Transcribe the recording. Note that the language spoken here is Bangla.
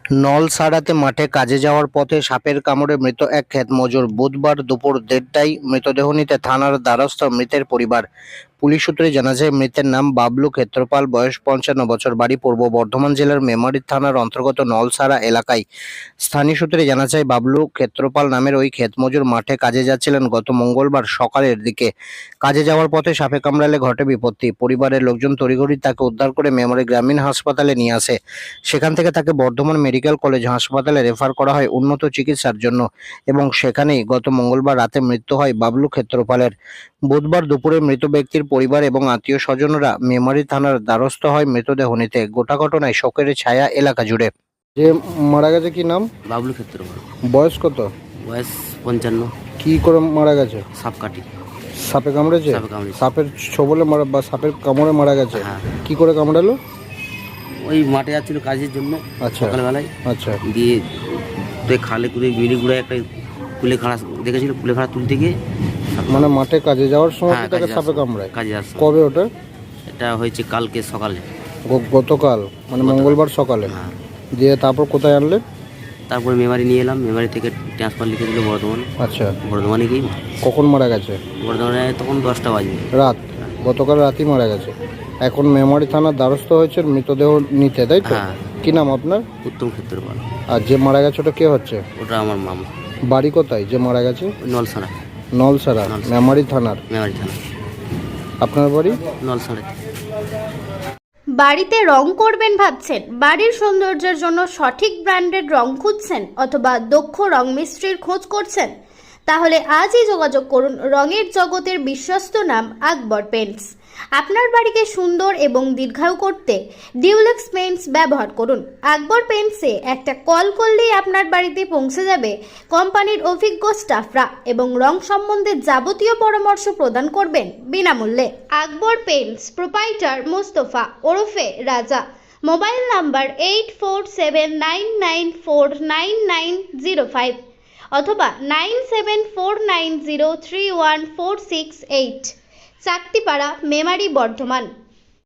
নলসারাতে মাঠে কাজে যাওয়ার পথে সাপের কামড়ে মৃত এক ক্ষেত মজুর। বুধবার দুপুর ১:৩০টায় মৃতদেহ নিতে থানার দ্বারস্থ মৃতের পরিবার। পুলিশ সূত্রে জানা যায়, মৃতের নাম বাবলু ক্ষেত্রপাল, বয়স ৫৫ বছর, বাড়ি পূর্ব বর্ধমান জেলার মেমারি থানার অন্তর্গত নলসারা এলাকায়। স্থানীয় সূত্রে জানা যায়, বাবলু ক্ষেত্রপাল নামের ওই ক্ষেত মজুর মাঠে কাজে যাচ্ছিলেন গত মঙ্গলবার সকালের দিকে। কাজে যাওয়ার পথে সাপে কামড়ালে ঘটে বিপত্তি। পরিবারের লোকজন তড়িঘড়ি তাকে উদ্ধার করে মেমারি গ্রামীণ হাসপাতালে নিয়ে আসে। সেখান থেকে তাকে বর্ধমান মেডিকেল কলেজ হাসপাতালে রেফার করা হয় উন্নত চিকিৎসার জন্য এবং সেখানেই গত মঙ্গলবার রাতে মৃত্যু হয় বাবলু ক্ষেত্রপালের। বুধবার দুপুরে মৃত ব্যক্তির পরিবার এবং আত্মীয় স্বজনরা মেমারি থানার দ্বারস্থ হয় মৃতদেহ নিতে। গোটা ঘটনায় শোকের ছায়া এলাকা জুড়ে। যে মারা গেছে কি নাম? বাবলু ক্ষেত্রপাল। বয়স কত? বয়স 55। কি করে মারা গেছে? সাপ কাটি। সাপে কামড়েছে? সাপে কামড়েছে। সাপের ছোবলে মারা বা সাপের কামড়ে মারা গেছে? হ্যাঁ। কি করে কামড়ালো? ওই মাঠে যাচ্ছিল কাজের জন্য আচ্ছা। সকালবেলায়। আচ্ছা। দিয়ে খালে করে মিলিগুড়ায় একটা কুলেখাড়া দেখেছিল, কুলেখাড়া তুলতে গিয়ে মানে মাঠে কাজে যাওয়ার সময় হ্যাঁ, তাকে কাজে সাপে যাওয়ার কামড়ায়? কাজে যাচ্ছে। কবে ওটা? এটা হয়েছে কালকে সকালে। গতকাল মানে গতকাল। মঙ্গলবার সকালে? হ্যাঁ। দিয়ে তারপর কোথায় আনলে? তারপরে মেমারি নিয়ে এলাম, মেমারি থেকে ট্রান্সফার লিখে দিল বর্ধমান। আচ্ছা। বর্ধমানে গিয়ে কখন মারা গেছে? বর্ধমানে তখন 10টা বাজে। রাত? গতকাল রাতেই মারা গেছে। এখন মেমারি থানার দ্বারস্থ হয়েছে মৃতদেহ নিতে, তাই তো? হ্যাঁ। কি নাম আপনার? উত্তম ক্ষেত্রপাল। আর যে মারা গেছে ওটা কে হচ্ছে? ওটা আমার মামা। বাড়ি কোথায় যে মারা গেছে? ওই নলসাড়া। নলসারা, মেমারি থানার। মেমারি থানা। আপনার বাড়ি? নলসাড়া। বাড়িতে রং করবেন ভাবছেন? বাড়ির সৌন্দর্যের জন্য সঠিক ব্র্যান্ডের রং খুঁজছেন অথবা দক্ষ রং মিস্ত্রির খোঁজ করছেন? তাহলে আজই যোগাযোগ করুন রঙের জগতের বিশ্বস্ত নাম আকবর পেইন্টস। আপনার বাড়িকে সুন্দর এবং দীর্ঘায়ু করতে ডিউলেক্স পেইন্টস ব্যবহার করুন। আকবর পেইন্টসে একটা কল করলেই আপনার বাড়িতে পৌঁছে যাবে কোম্পানির অভিজ্ঞ স্টাফরা এবং রং সম্বন্ধে যাবতীয় পরামর্শ প্রদান করবেন বিনামূল্যে। আকবর পেইন্টস প্রোপাইটার মোস্তফা ওরফে রাজা। মোবাইল নাম্বার 8479949905 অথবা 9749031468। চাকতিপাড়া, মেমারি, বর্ধমান।